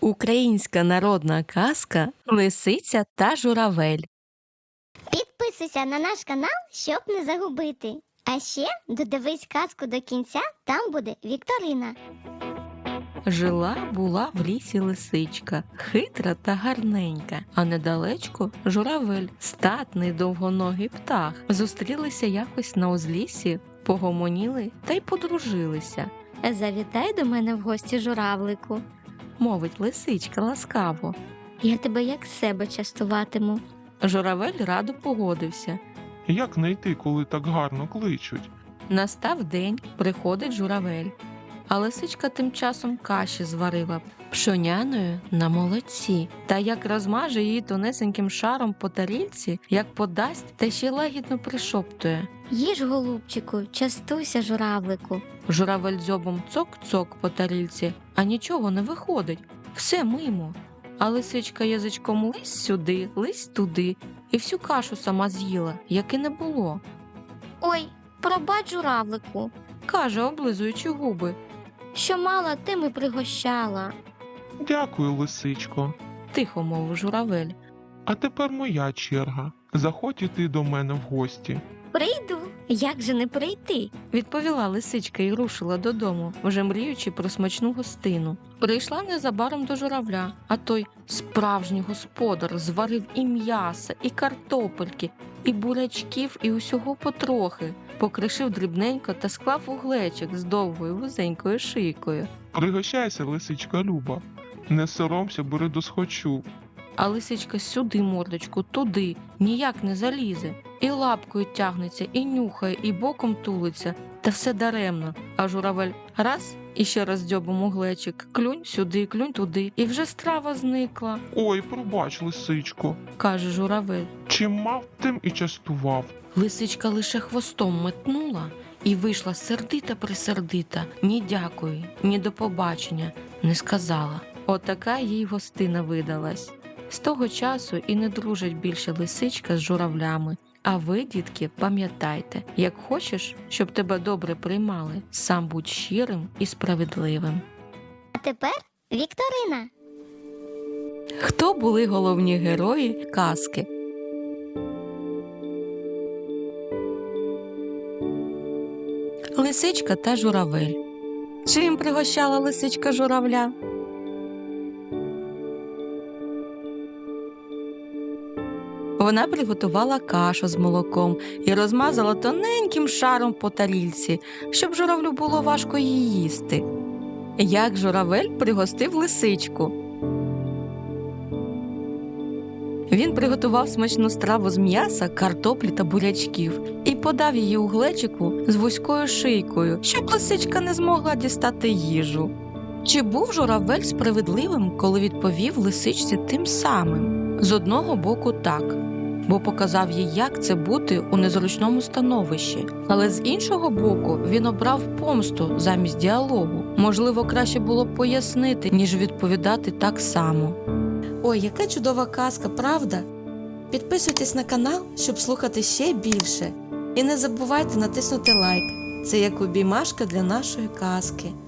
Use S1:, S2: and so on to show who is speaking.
S1: Українська народна казка «Лисиця та журавель».
S2: Підписуйся на наш канал, щоб не загубити. А ще додивись казку до кінця, там буде вікторина.
S1: Жила-була в лісі лисичка, хитра та гарненька, а недалечко журавель, статний довгоногий птах. Зустрілися якось на узліссі, погомоніли та й подружилися.
S3: Завітай до мене в гості, журавлику.
S1: Мовить лисичка ласкаво.
S3: Я тебе як себе частуватиму.
S1: Журавель радо погодився.
S4: Як не йти, коли так гарно кличуть?
S1: Настав день, приходить журавель. А лисичка тим часом каші зварила пшоняною на молоці. Та як розмаже її тонесеньким шаром по тарілці, як подасть, та ще лагідно пришоптує.
S3: Їж, голубчику, частуйся, журавлику.
S1: Журавель дзьобом цок-цок по тарілці, а нічого не виходить. Все мимо. А лисичка язичком лись сюди, лись туди, і всю кашу сама з'їла, як і не було.
S3: Ой, пробач, журавлику,
S1: Каже, облизуючи губи.
S3: що мала, тим і пригощала.
S4: Дякую, лисичко.
S1: Тихо мовив журавель.
S4: А тепер моя черга. Заходь іти до мене в гості.
S3: Прийду, як же не прийти?
S1: Відповіла лисичка і рушила додому, вже мріючи про смачну гостину. Прийшла незабаром до журавля, а той справжній господар зварив і м'яса, і картопельки, і бурячків, і усього потрохи. Покришив дрібненько та склав у глечик з довгою вузенькою шийкою.
S4: Пригощайся, лисичка Люба. Не соромся, бери досхочу.
S1: А лисичка сюди мордочку, туди, ніяк не залізе. І лапкою тягнеться, і нюхає, і боком тулиться. Та все даремно. А журавель раз і ще раз дзьобом у глечик. Клюнь сюди, клюнь туди. І вже страва зникла,
S4: Ой, пробач, лисичко.
S1: каже журавель.
S4: Чим мав, тим і частував.
S1: Лисичка лише хвостом метнула і вийшла сердита-присердита. Ні дякую, ні до побачення не сказала. Отака їй гостина видалась. З того часу і не дружать більше лисичка з журавлями. А ви, дітки, пам'ятайте, як хочеш, щоб тебе добре приймали, сам будь щирим і справедливим.
S2: А тепер вікторина.
S1: Хто були головні герої казки? Лисичка та журавель. Чим пригощала лисичка журавля? Вона приготувала кашу з молоком і розмазала тоненьким шаром по тарільці, щоб журавлю було важко її їсти. Як журавель пригостив лисичку? Він приготував смачну страву з м'яса, картоплі та бурячків і подав її у глечику з вузькою шийкою, щоб лисичка не змогла дістати їжу. Чи був журавель справедливим, коли відповів лисичці тим самим? З одного боку так, бо показав їй, як це бути у незручному становищі. Але з іншого боку він обрав помсту замість діалогу. Можливо, краще було б пояснити, ніж відповідати так само. Ой, яка чудова казка, правда? Підписуйтесь на канал, щоб слухати ще більше. І не забувайте натиснути лайк. Це як обіймашка для нашої казки.